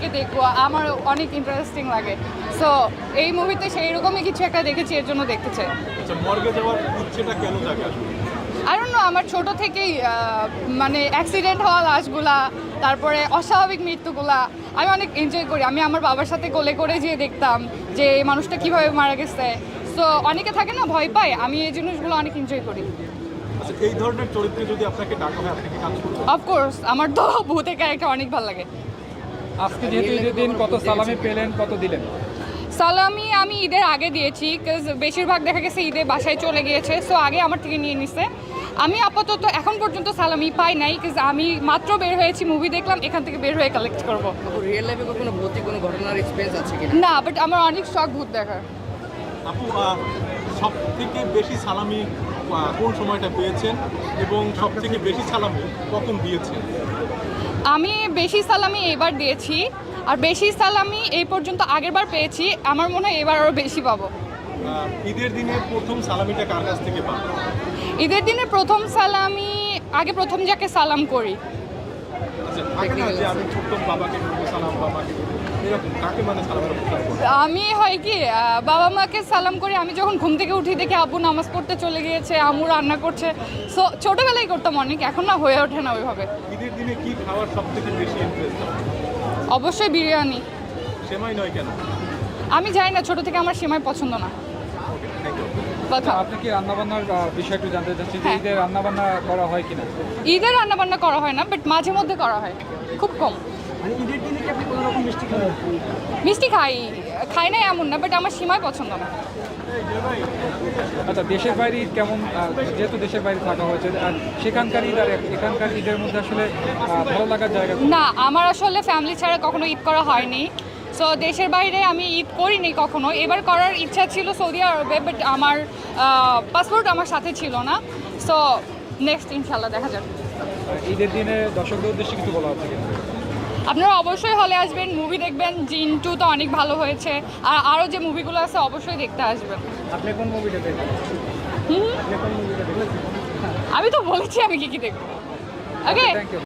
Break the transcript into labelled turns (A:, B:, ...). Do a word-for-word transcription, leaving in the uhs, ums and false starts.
A: মুভিকে দেখবো, আমার অনেক ইন্টারেস্টিং লাগে। সো এই মুভিতে সেই রকমই কিছু একটা দেখেছি, এর জন্য দেখতে চাই।
B: আচ্ছা, মর্গে যাওয়ার ইচ্ছেটা কেন জাগে আসলে?
A: আই ডোন্ট নো, আমার ছোট থেকেই মানে অ্যাক্সিডেন্ট হওয়া লাশগুলা, তারপরে অস্বাভাবিক মৃত্যুগুলা আমি অনেক এনজয় করি। আমি আমার বাবার সাথে কোলে করে যেয়ে দেখতাম যে এই মানুষটা কীভাবে মারা গেছে। সো অনেকে থাকে না ভয় পায়, আমি এই জিনিসগুলো অনেক এনজয় করি।
B: আচ্ছা, এই ধরনের চরিত্রে যদি আপনাকে ডাকা হয় আপনি কি কাজ করবেন?
A: অফকোর্স, আমার তো ভূতের ক্যারেক্টার অনেক ভালো লাগে।
C: আজকে যেহেতু ঈদের দিন, কত সালামি পেলেন, কত দিলেন?
A: সালামি আমি ঈদের আগে দিয়েছি, বিকজ বেশিরভাগ দেখা গেছে ঈদে বাসায় চলে গিয়েছে, সো আগে আমার থেকে নিয়ে নিছে। আমি আপাতত এখন পর্যন্ত সালামি পাই নাই, বিকজ আমি মাত্র বের হয়েছি, মুভি দেখলাম, এখান থেকে বের হয়ে কালেক্ট করবো।
D: রিয়েল লাইফে কোনো ভৌতিক কোনো ঘটনার এক্সপেরিয়েন্স আছে কিনা?
A: না, বাট আমার অনেক শখ ভূত দেখার।
B: আপু, সব থেকে বেশি সালামি আহ, কোন সময়টা পেয়েছেন এবং সব থেকে বেশি সালামি কখন দিয়েছেন?
A: আমি বেশি সালামি এবার দিয়েছি, আর বেশি সালামি এই পর্যন্ত আগেরবার পেয়েছি, আমার মনে হয় এবার আরও বেশি পাবো।
B: আহ, ঈদের দিনে প্রথম সালামিটা কার কাছ থেকে পান?
A: ঈদের দিনে প্রথম সালামি আগে প্রথম যাকে সালাম করি।
B: আচ্ছা, থাকে না যে আমি ছোট্ট বাবাকে করবো সালাম, বাবাকে করবো, এরকম কাকে মানে সালামের অবস্থান করবো?
A: আমি হয় কি আহ, বাবা মাকে সালাম করি, আমি যখন ঘুম থেকে উঠি দেখি আব্বু নামাজ পড়তে চলে গিয়েছে, আম্মু রান্না করছে। সো ছোটোবেলায় করতাম অনেক, এখন না হয়ে ওঠে না ওইভাবে।
B: ঈদের দিনে কি খাওয়ার সব থেকে বেশি ইন্টারেস্ট?
A: অবশ্যই বিরিয়ানি।
B: সেমাই নয় কেন?
A: আমি জানি না, ছোটো থেকে আমার সেমাই পছন্দ না।
B: Okay, thank you.
A: কথা
C: আপনি কি রান্নাবান্নার আহ, বিষয় একটু জানতে চাচ্ছি যে
A: হ্যাঁ।
C: ঈদের রান্নাবান্না করা হয় কিনা?
A: ঈদের রান্না বান্না করা হয় না, বাট মাঝে মধ্যে করা হয়, খুব কম।
D: মানে ঈদের দিনে কি আপনি কোনো রকম মিষ্টি খান?
A: মিষ্টি খাই, খাই না এমন না, বাট আমার সীমায় পছন্দ না।
C: আচ্ছা, দেশের বাইরে ঈদ কেমন? আহ, যেহেতু দেশের বাইরে থাকা হয়েছে, আর সেখানকার ঈদ আর এখানকার ঈদের মধ্যে আসলে আহ, ভালো লাগার জায়গা কোনটা?
A: না, আমার আসলে ফ্যামিলি ছাড়া কখনো ঈদ করা হয়নি। সো দেশের বাইরে আমি ঈদ করিনি কখনো। এবার করার ইচ্ছা ছিল সৌদি আরবে, বাট আমার পাসপোর্ট আমার সাথে ছিল না। সো নেক্সট ইনশাল্লাহ দেখা যাবে।
C: আহ, ঈদের দিনে দর্শকদের উদ্দেশ্যে কিছু বলা হচ্ছে কিনা?
A: আপনারা অবশ্যই হলে আসবেন, মুভি দেখবেন। জিন টু তো অনেক ভালো হয়েছে, আর আরও যে মুভিগুলো আছে অবশ্যই দেখতে আসবেন।
D: আপনি কোন মুভিটা দেখবেন?
A: হুম,
D: আপনি কোন মুভিটা দেখবেন?
A: আমি তো বলেছি আমি কি কি দেখবো। ওকে।
C: Thank you.